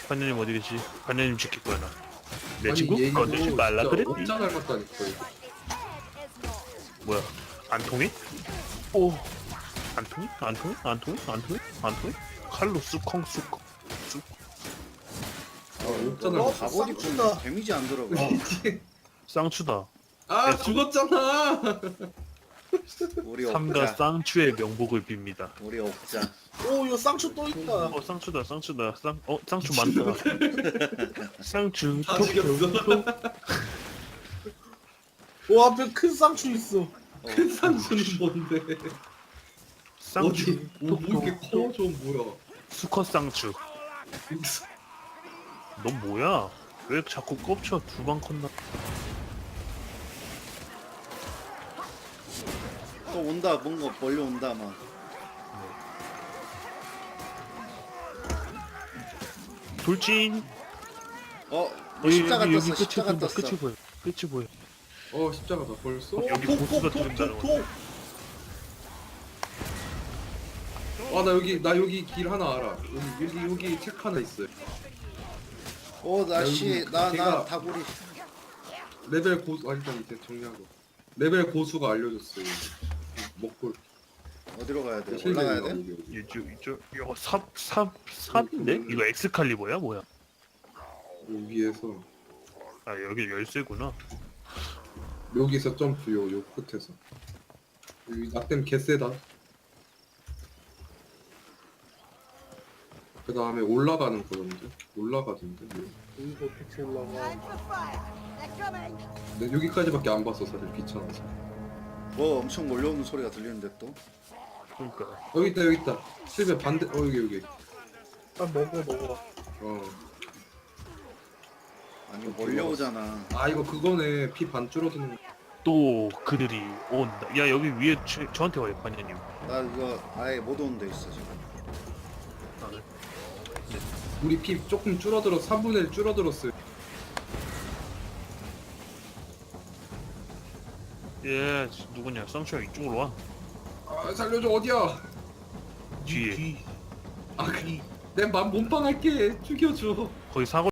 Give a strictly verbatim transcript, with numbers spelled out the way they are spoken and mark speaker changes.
Speaker 1: 반장님 어디 계시? 반장님 지킬 거야 나. 내
Speaker 2: 아니,
Speaker 1: 친구
Speaker 2: 얘도
Speaker 1: 건들지 말라
Speaker 2: 진짜
Speaker 1: 그랬지.
Speaker 2: 업자 닮았다니까 이거.
Speaker 1: 뭐야? 안 통해? 오. 안 통해? 안 통해? 안 통해? 안 통해? 안 통해? 칼로 쑥컹 쑥컹 쑥.
Speaker 2: 아, 업자
Speaker 3: 어,
Speaker 2: 닮았다.
Speaker 4: 갑옷
Speaker 3: 쌍추다.
Speaker 4: 입고 데미지 안 들어가.
Speaker 1: 쌍추다.
Speaker 2: 아
Speaker 1: 됐어.
Speaker 2: 죽었잖아.
Speaker 4: 우리
Speaker 1: 삼가
Speaker 4: 옥자.
Speaker 1: 쌍추의 명복을 빕니다.
Speaker 4: 우리 옥자.
Speaker 3: 오 이거 쌍추 또 있다.
Speaker 1: 어 쌍추다 쌍추다 쌍. 어 쌍추 많다. 쌍추
Speaker 2: 다
Speaker 1: 톡,
Speaker 2: 죽였어.
Speaker 1: 톡, 톡.
Speaker 3: 오 앞에 큰 쌍추 있어.
Speaker 2: 큰 상수는 뭔데?
Speaker 1: 쌍추
Speaker 2: 어디? 뭐, 뭐 이렇게
Speaker 1: 톡,
Speaker 2: 커?
Speaker 1: 톡.
Speaker 2: 좀 뭐야?
Speaker 1: 수컷 쌍추. 넌 뭐야? 왜 자꾸 꼽쳐 두 방 컸나?
Speaker 4: 또 온다. 뭔가 몰려온다 막.
Speaker 1: 돌진.
Speaker 4: 어?
Speaker 1: 여기
Speaker 4: 십자가
Speaker 1: 여기,
Speaker 4: 떴어.
Speaker 1: 여기 끝이
Speaker 4: 십자가
Speaker 1: 보인다.
Speaker 4: 떴어.
Speaker 1: 끝이 보여. 끝이 보여.
Speaker 2: 어 십자가다 벌써?
Speaker 1: 여기 보스가 들린다는
Speaker 3: 톡톡톡톡.
Speaker 2: 아 나 여기 나 여기 길 하나 알아. 여기 여기 여기 책 하나 있어요.
Speaker 4: 오 나씨
Speaker 2: 여기
Speaker 4: 나 나
Speaker 2: 걔가-
Speaker 4: 다구리.
Speaker 2: 레벨 고수 아 일단 이제 정리하고. 레벨 고수가 알려줬어요. 먹고
Speaker 4: 어디로 가야 돼?
Speaker 2: 실내로
Speaker 4: 올라가야 돼?
Speaker 2: 여기, 여기.
Speaker 1: 이쪽 이쪽 이거 삽삽 삽인데? 이거 엑스칼리버야 뭐야?
Speaker 2: 여기에서
Speaker 1: 아 여기 열쇠구나.
Speaker 2: 여기서 점프 요, 요 끝에서 여기 낙댐 개세다. 그 다음에 올라가는 거던데 올라가던데 뭐.
Speaker 3: 여기서 어떻게 올라가?
Speaker 2: 근데 여기까지밖에 안 봤어 사실 귀찮아서.
Speaker 4: 뭐 엄청 몰려오는 소리가 들리는데 또?
Speaker 1: 그러니까
Speaker 2: 여기 있다 여기 있다 실베 반대 어 여기 여기
Speaker 3: 아 먹어 먹어.
Speaker 2: 어.
Speaker 4: 아니 몰려오잖아.
Speaker 2: 아 이거 그거네 피 반 줄어드는 거.
Speaker 1: 또 그들이 온다. 야 여기 위에 저, 저한테 와요 반장님.
Speaker 4: 나 이거 아예 못 오는 데 있어 지금.
Speaker 1: 아, 네.
Speaker 2: 우리 피 조금 줄어들어 삼분의 일 줄어들었어요.
Speaker 1: 예 누구냐? 쌍추야 이쪽으로 와.
Speaker 2: 아 살려줘 어디야.
Speaker 1: 뒤에.
Speaker 3: 뒤.
Speaker 2: 아, 그, 내맘 몸빵할게 죽여줘.
Speaker 1: 거기 사거.